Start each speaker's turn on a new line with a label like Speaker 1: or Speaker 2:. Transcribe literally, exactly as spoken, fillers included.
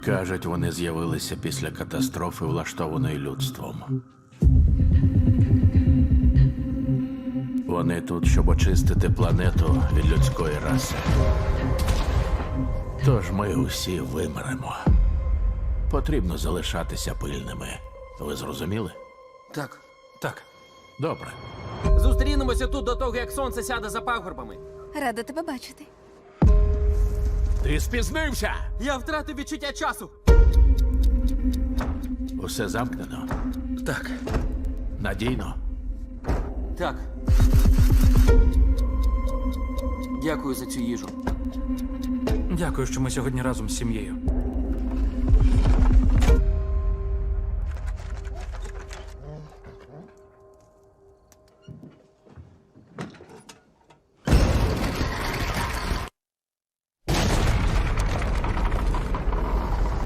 Speaker 1: Кажуть, вони з'явилися після катастрофи, влаштованої людством. Вони тут, щоб очистити планету від людської раси. Тож ми усі вимремо. Потрібно залишатися пильними. Ви зрозуміли?
Speaker 2: Так.
Speaker 3: Так.
Speaker 1: Добре.
Speaker 2: Зустрінемося тут до того, як сонце сяде за пагорбами.
Speaker 4: Рада тебе бачити.
Speaker 1: Ти спізнився!
Speaker 2: Я втратив відчуття часу.
Speaker 1: Усе замкнено.
Speaker 3: Так.
Speaker 1: Надійно.
Speaker 2: Так. Дякую за цю їжу.
Speaker 3: Дякую, що ми сьогодні разом з сім'єю.